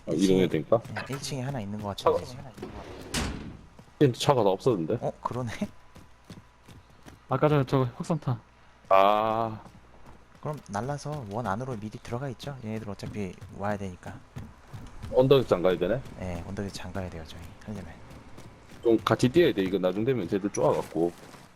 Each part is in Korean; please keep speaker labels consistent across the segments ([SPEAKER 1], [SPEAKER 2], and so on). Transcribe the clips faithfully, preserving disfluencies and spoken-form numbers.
[SPEAKER 1] 아, 이동해야 되니까?
[SPEAKER 2] 일 층에 하나 있는 것
[SPEAKER 1] 차가,
[SPEAKER 2] 같은데 지금.
[SPEAKER 1] 차가 다 없었는데?
[SPEAKER 2] 어? 그러네?
[SPEAKER 3] 아까 전에 저 흑선타.
[SPEAKER 1] 아,
[SPEAKER 2] 그럼 날라서 원 안으로 미리 들어가 있죠? 얘네들 어차피 와야 되니까.
[SPEAKER 1] 언덕장 가야 되네?
[SPEAKER 2] 네, 언덕에 잠가야 돼요 저희 하려면.
[SPEAKER 1] 좀 같이 뛰어야 돼. 이거 나중 되면 쟤들 쪼아갖고.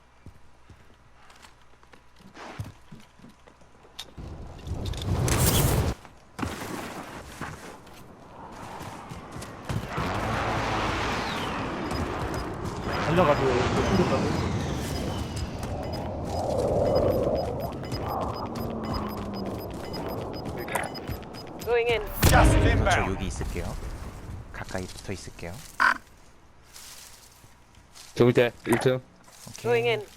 [SPEAKER 3] 달려가지고 힘들다고.
[SPEAKER 4] Going in.
[SPEAKER 5] Gas is
[SPEAKER 2] 그래서 저
[SPEAKER 5] inbound.
[SPEAKER 2] 여기 있을게요. 가까이 붙어 있을게요.
[SPEAKER 1] 저 밑에 일 층.
[SPEAKER 4] Going
[SPEAKER 2] 오케이.
[SPEAKER 4] in.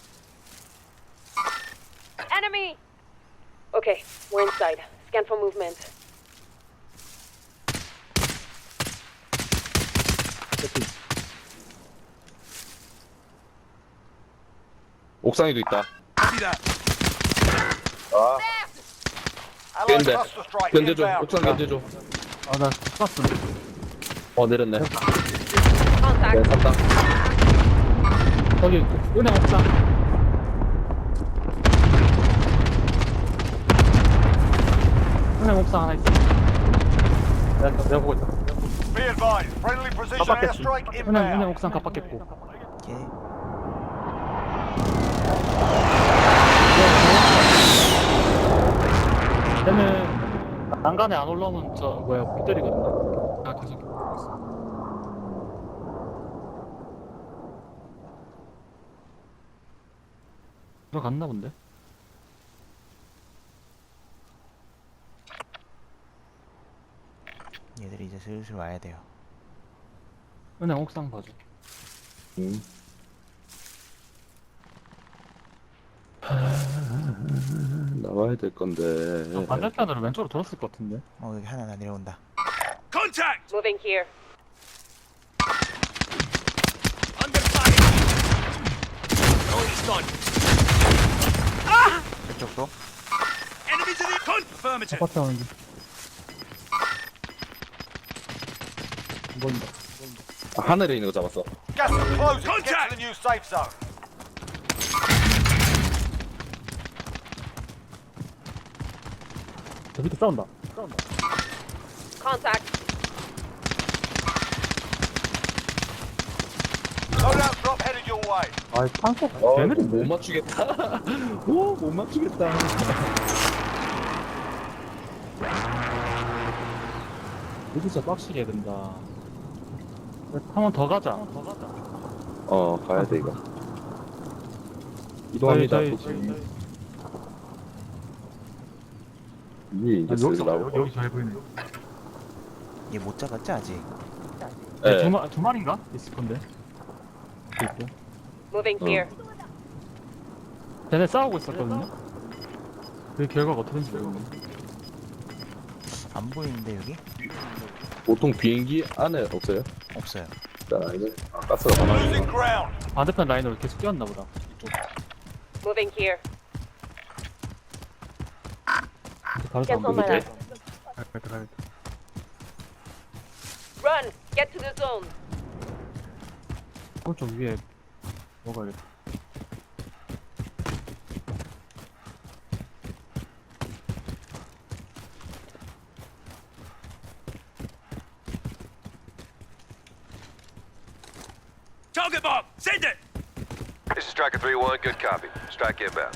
[SPEAKER 4] Enemy! Okay, we're inside. Scan for movement.
[SPEAKER 1] 옥상에도 있다.
[SPEAKER 5] Copy that.
[SPEAKER 1] 아,
[SPEAKER 5] Allied
[SPEAKER 1] 견제.
[SPEAKER 5] cluster strike
[SPEAKER 1] 견제줘.
[SPEAKER 5] inbound.
[SPEAKER 1] 옥상 견제줘.
[SPEAKER 3] 아나 쐈어.
[SPEAKER 1] 어, 내렸네. 네,
[SPEAKER 4] Contact.
[SPEAKER 1] 샀다.
[SPEAKER 3] 거기 은행 옥상. 은행 옥상 하나 있어. 내가 내가 보고 있다.
[SPEAKER 5] Be advised, friendly precision
[SPEAKER 3] 깜빡했지.
[SPEAKER 5] airstrike
[SPEAKER 3] 은행 은행
[SPEAKER 5] inbound.
[SPEAKER 3] 옥상 깜빡했고.
[SPEAKER 2] 오케이.
[SPEAKER 3] 얘는 난간에 안 올라오면 저 뭐야 못 때리거든. 아 계속 보고 있어. 들어갔나 본데?
[SPEAKER 2] 얘들이 이제 슬슬 와야 돼요.
[SPEAKER 3] 은행 옥상 봐줘.
[SPEAKER 1] 음. 나와야 될 건데.
[SPEAKER 3] 저 반대편으로 왼쪽으로 돌았을 것 같은데.
[SPEAKER 2] 어 여기 하나 내려온다.
[SPEAKER 5] Contact!
[SPEAKER 4] Moving here.
[SPEAKER 5] Under fire! Already done.
[SPEAKER 2] 이쪽도.
[SPEAKER 5] Enemies in the confirmative.
[SPEAKER 3] 아파트 하는지. 보인다.
[SPEAKER 1] 아, 하늘에 있는 거 잡았어.
[SPEAKER 5] Gas is closing. Get to the new safe zone.
[SPEAKER 3] 저 밑에 싸운다. 싸운다.
[SPEAKER 4] Contact.
[SPEAKER 5] Loadout drop headed your way.
[SPEAKER 3] 아, 탄소
[SPEAKER 1] 어,
[SPEAKER 3] 개느린데.
[SPEAKER 1] 못 맞추겠다. 오, 못 맞추겠다.
[SPEAKER 3] 여기서 빡시게 해야 된다. 한 번 더 가자. 더 가자.
[SPEAKER 1] 어, 가야 돼, 이거. 이동합니다.
[SPEAKER 3] 저희,
[SPEAKER 1] 도시.
[SPEAKER 3] 저희, 저희.
[SPEAKER 1] 위에 이제
[SPEAKER 3] 아,
[SPEAKER 1] 슬슬
[SPEAKER 3] 여기서
[SPEAKER 1] 나오고.
[SPEAKER 3] 여기 잘 보이네.
[SPEAKER 2] 얘 못 잡았지 아직.
[SPEAKER 1] 예.
[SPEAKER 3] 두, 마, 두 마리인가? 있을 건데. 있고.
[SPEAKER 4] Moving
[SPEAKER 1] 어.
[SPEAKER 4] here.
[SPEAKER 3] 쟤네 싸우고 있었거든요. 그 결과가 어떻게 된지 모르겠네.
[SPEAKER 2] 안 보이는데 여기?
[SPEAKER 1] 보통 비행기 안에 없어요?
[SPEAKER 2] 없어요.
[SPEAKER 1] 자, 이제 아, 가스가 가만히
[SPEAKER 5] Losing
[SPEAKER 1] 있구나.
[SPEAKER 5] ground.
[SPEAKER 3] 반대편 라인으로 계속 뛰었나 보다. 이쪽.
[SPEAKER 4] Moving here.
[SPEAKER 3] 다른
[SPEAKER 4] Cancel
[SPEAKER 3] 사람
[SPEAKER 4] my
[SPEAKER 3] 보이지?
[SPEAKER 4] last.
[SPEAKER 3] 가야겠다, 가야겠다.
[SPEAKER 4] Run! Get to the zone.
[SPEAKER 3] 오른쪽 위에 먹어야겠다.
[SPEAKER 5] Target bomb. Send it.
[SPEAKER 6] This is Striker three one, good copy. Strike inbound.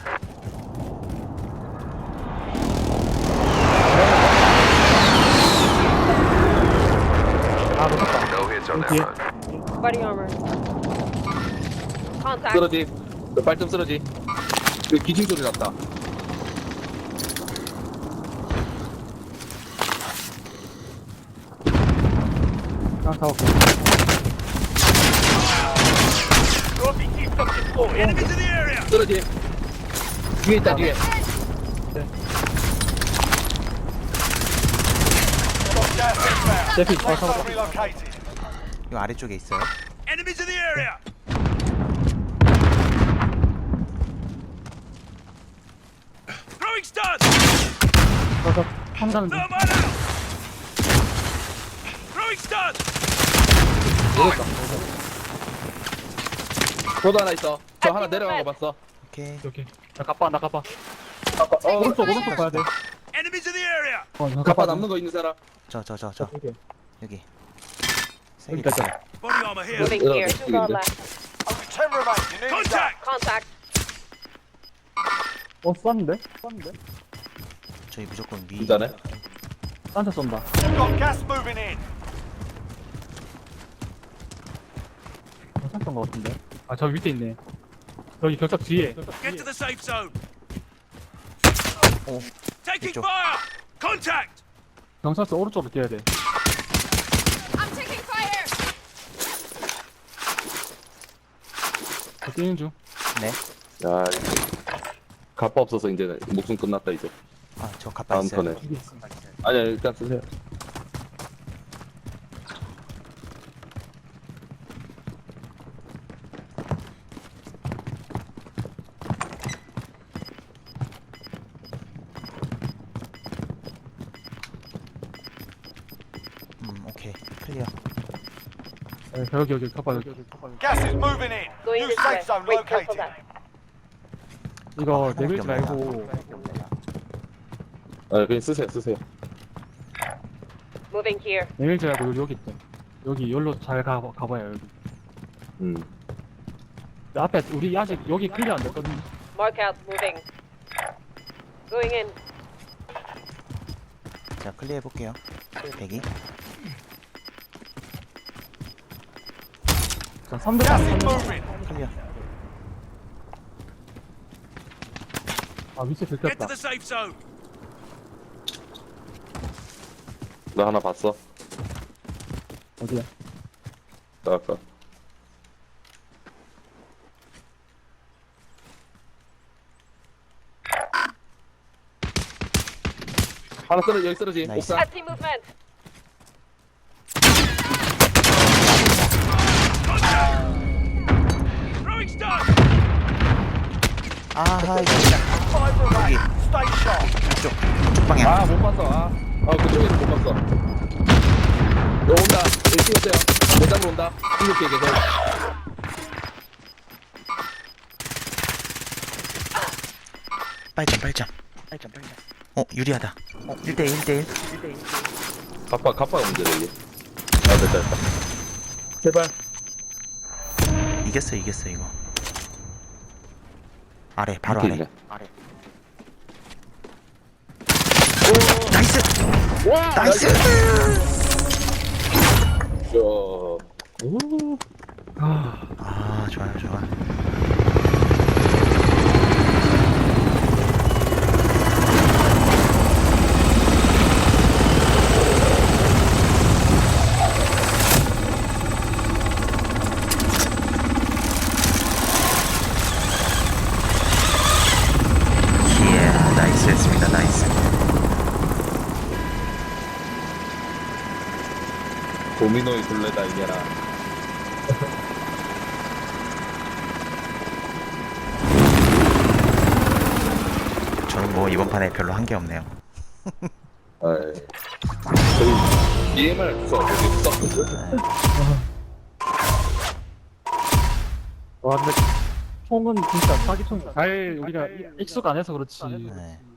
[SPEAKER 3] 아, 놓쳤다.
[SPEAKER 6] No hits on that
[SPEAKER 3] Okay.
[SPEAKER 6] run.
[SPEAKER 4] Body armor. Contact.
[SPEAKER 1] 쓰러지. 그 발좀 쓰러지. 그 기침 소리 났다.
[SPEAKER 3] 그냥 타고.
[SPEAKER 5] Trophy keep fucking full. Enemies in the area.
[SPEAKER 1] 쓰러지. 뒤에 있다, 뒤에.
[SPEAKER 5] Got gas inbound.
[SPEAKER 3] 제피,
[SPEAKER 5] Safe
[SPEAKER 3] 어,
[SPEAKER 5] zone
[SPEAKER 3] 잡았다.
[SPEAKER 5] relocated.
[SPEAKER 2] 이 아래쪽에 있어요.
[SPEAKER 5] Enemies in the area. Throwing stun.
[SPEAKER 3] 그래서 판단은 좀.
[SPEAKER 5] Thermite out. Throwing stun.
[SPEAKER 1] 저도 하나 있어. 저 하나 내려간 거 봤어.
[SPEAKER 2] 오케이.
[SPEAKER 3] 오케이. 나 가빠 나 가빠.
[SPEAKER 1] 어,
[SPEAKER 3] 오른쪽 오른쪽 가야 돼.
[SPEAKER 5] Enemies in the area.
[SPEAKER 3] 어, 나
[SPEAKER 1] 가빠 남는 거 있는 사람.
[SPEAKER 2] 저 저 저 저
[SPEAKER 3] 오케이.
[SPEAKER 2] 여기. 세
[SPEAKER 3] 여기
[SPEAKER 2] 개
[SPEAKER 3] 있다.
[SPEAKER 2] 있어.
[SPEAKER 3] 있다.
[SPEAKER 5] Body armor here.
[SPEAKER 4] Moving
[SPEAKER 1] Yeah,
[SPEAKER 4] here.
[SPEAKER 1] that's
[SPEAKER 4] Two guard
[SPEAKER 1] good.
[SPEAKER 4] left.
[SPEAKER 5] Only ten remain. You need contact.
[SPEAKER 4] Contact.
[SPEAKER 3] 어 쐈는데? 쐈는데?
[SPEAKER 2] 저희 무조건 위.
[SPEAKER 1] 진짜네.
[SPEAKER 3] 딴데 쏜다.
[SPEAKER 5] Got gas moving in.
[SPEAKER 3] 경찰 쏜거 같은데? 아 저 밑에 있네. 여기 경찰 뒤에.
[SPEAKER 5] Get to the safe zone.
[SPEAKER 2] 오.
[SPEAKER 5] Taking
[SPEAKER 2] 이쪽.
[SPEAKER 5] fire. Contact.
[SPEAKER 3] 경찰서 오른쪽으로 뛰어야 돼.
[SPEAKER 4] I'm taking fire.
[SPEAKER 3] 저 뛰는 중.
[SPEAKER 2] 네.
[SPEAKER 1] 야, 가빠 없어서 이제 목숨 끝났다 이제.
[SPEAKER 2] 아 저 가빠
[SPEAKER 1] 다음
[SPEAKER 2] 있어요.
[SPEAKER 1] 턴에.
[SPEAKER 3] 이게 있어.
[SPEAKER 1] 아니야 일단 쓰세요.
[SPEAKER 2] 음 오케이 클리어.
[SPEAKER 3] 네, 여기 여기 가빠 여기 여기 가빠 여기.
[SPEAKER 5] Gas is moving in.
[SPEAKER 4] Going
[SPEAKER 5] New
[SPEAKER 4] this way.
[SPEAKER 5] safe zone
[SPEAKER 4] Wait, careful
[SPEAKER 5] located.
[SPEAKER 4] that.
[SPEAKER 3] 이거
[SPEAKER 2] 하나밖에
[SPEAKER 3] 내밀지
[SPEAKER 2] 없네.
[SPEAKER 3] 말고
[SPEAKER 1] 아 그냥 쓰세요 쓰세요.
[SPEAKER 4] Moving here.
[SPEAKER 3] 내밀지 말고 여기 여기 있대. 여기 여기로 잘 가, 가봐요 여기.
[SPEAKER 1] 음.
[SPEAKER 3] 근데 앞에 우리 아직 여기 클리어 안 됐거든.
[SPEAKER 4] Mark out. Moving. Going in.
[SPEAKER 2] 자 클리어 해볼게요. 대기.
[SPEAKER 3] 자 삼 대
[SPEAKER 5] Gas
[SPEAKER 3] 삼.
[SPEAKER 5] is moving.
[SPEAKER 2] 클리어.
[SPEAKER 3] 아 위치
[SPEAKER 5] Get to
[SPEAKER 3] 들켰다.
[SPEAKER 5] the safe zone.
[SPEAKER 1] 나 하나 봤어.
[SPEAKER 3] 어디야?
[SPEAKER 1] 나 아까. 하나 쓰러지 여기 쓰러지.
[SPEAKER 2] 나이스.
[SPEAKER 1] 옥상.
[SPEAKER 4] I see movement.
[SPEAKER 5] Throwing stun.
[SPEAKER 2] 아하 이거
[SPEAKER 5] Five remain.
[SPEAKER 2] 여기.
[SPEAKER 5] Stay sharp.
[SPEAKER 2] 이쪽 이쪽 방향.
[SPEAKER 1] 아 못 봤어. 아, 아 그쪽에서 못 봤어. 너 온다. 여기 찍었어요. 내 잡으러 온다. 이렇게 계속.
[SPEAKER 2] 빨점 빨점. 빨점 빨점. 어 유리하다. 어 일 대 일 일 대 일.
[SPEAKER 1] 가빠 가빠가 문제다 이게. 아 됐다 됐다. 제발.
[SPEAKER 2] 이겼어 이겼어 이거. 아래 바로
[SPEAKER 1] 밑에
[SPEAKER 2] 아래.
[SPEAKER 1] 있네.
[SPEAKER 2] 아래. 나이스.
[SPEAKER 1] 와
[SPEAKER 2] 나이스.
[SPEAKER 1] 야. 오.
[SPEAKER 3] 아
[SPEAKER 2] 아 좋아요 좋아. 이야 나이스 했습니다 나이스.
[SPEAKER 1] 도미노의 굴레다 이게라.
[SPEAKER 2] 저는 뭐 이번 판에 별로 한 게 없네요.
[SPEAKER 1] 아이. 저희 디엠알 써 여기 썼거든.
[SPEAKER 3] 와 근데 총은 진짜 사기총 잘 우리가 익숙 안 해서 그렇지.
[SPEAKER 2] 네.